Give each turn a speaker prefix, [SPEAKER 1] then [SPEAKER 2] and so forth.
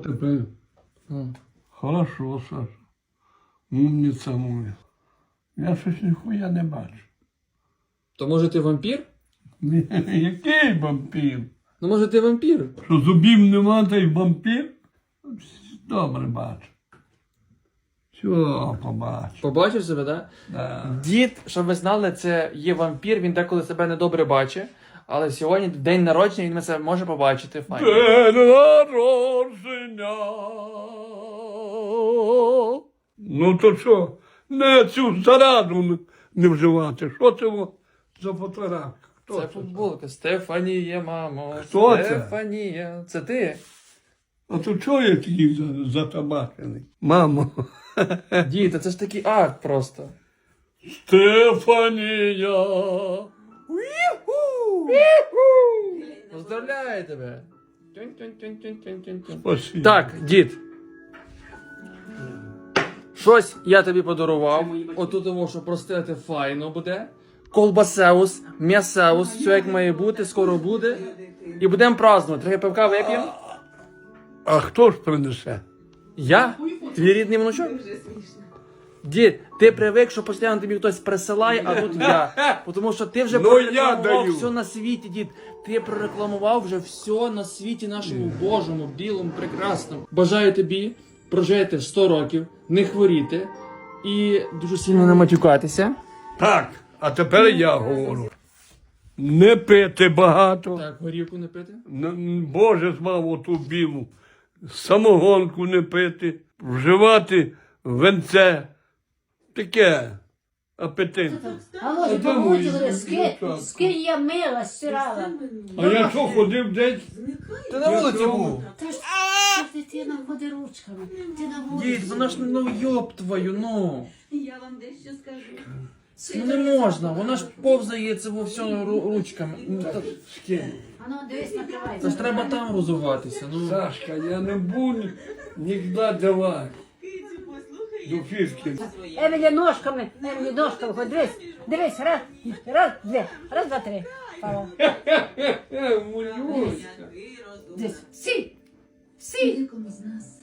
[SPEAKER 1] тепер. Хорошо, Саша. Умниця моя. Я щось ніхуя не бачу.
[SPEAKER 2] То може ти вампір?
[SPEAKER 1] Ні, який вампір?
[SPEAKER 2] Ну може ти вампір?
[SPEAKER 1] Що зубів нема, та й вампір? Добре бачу. Все, побачу.
[SPEAKER 2] Побачив себе, так?
[SPEAKER 1] Да.
[SPEAKER 2] Дід, щоб ви знали, це є вампір, він деколи себе недобре бачить. Але сьогодні день народження, він це може побачити. Файно.
[SPEAKER 1] День народження. Ну то що, не цю зараду не вживати. Що це за фотографія? Хто
[SPEAKER 2] Це футболка. Стефанія, мамо.
[SPEAKER 1] Хто це?
[SPEAKER 2] Стефанія. Це ти?
[SPEAKER 1] А то чого я такий затабачений? Мамо.
[SPEAKER 2] Дід, це ж такий акт просто.
[SPEAKER 1] Стефанія.
[SPEAKER 2] Поздравляю тебе.
[SPEAKER 1] Спасибо.
[SPEAKER 2] Так, дід. Щось я тобі подарував. Отут того, що простити файно буде. Колбасеус, м'ясеус, все як має бути, скоро буде. І будемо празднувати. Трохи пивка вип'ємо.
[SPEAKER 1] А хто ж принесе?
[SPEAKER 2] Я? Твій рідний внучок? Дід, ти привик, що постійно тобі хтось присилає, а тут я. Тому що ти вже
[SPEAKER 1] Ну, я
[SPEAKER 2] прорекламував
[SPEAKER 1] даю.
[SPEAKER 2] все на світі, дід. Ти прорекламував вже все на світі нашому Божому, білому, прекрасному. Бажаю тобі прожити 100 років, не хворіти і дуже сильно не матюкатися.
[SPEAKER 1] Так, а тепер я говорю. Не пити багато.
[SPEAKER 2] Так, горівку не пити.
[SPEAKER 1] Боже звав оту білу. Самогонку не пити. Вживати венце. Таке. Апетитне.
[SPEAKER 3] А може
[SPEAKER 1] де мої
[SPEAKER 3] помочили,
[SPEAKER 1] дівчатка?
[SPEAKER 3] скинь я мила, стирала.
[SPEAKER 1] А я що ходив десь?
[SPEAKER 2] Ти на вулиці був.
[SPEAKER 3] Та ж дитина ходи ручками. Ти на вулиці.
[SPEAKER 2] Дід, вона ж, ну йоб твою, ну.
[SPEAKER 4] Я вам дещо скажу.
[SPEAKER 2] Ну не можна, вона ж повзає це во всьому ручками. Ну,
[SPEAKER 3] А ну дивись, накривай.
[SPEAKER 2] Це ж треба там розуватися, ну.
[SPEAKER 1] Сашка, я не буду ніколи давати.
[SPEAKER 4] Кицю, послухай.
[SPEAKER 1] До фішки.
[SPEAKER 3] Емілі ножками, ходи, дивись, раз, два, три. Пала.
[SPEAKER 1] Мулюська.
[SPEAKER 4] Який розум.
[SPEAKER 3] Дивись, сі,
[SPEAKER 4] Нікому з нас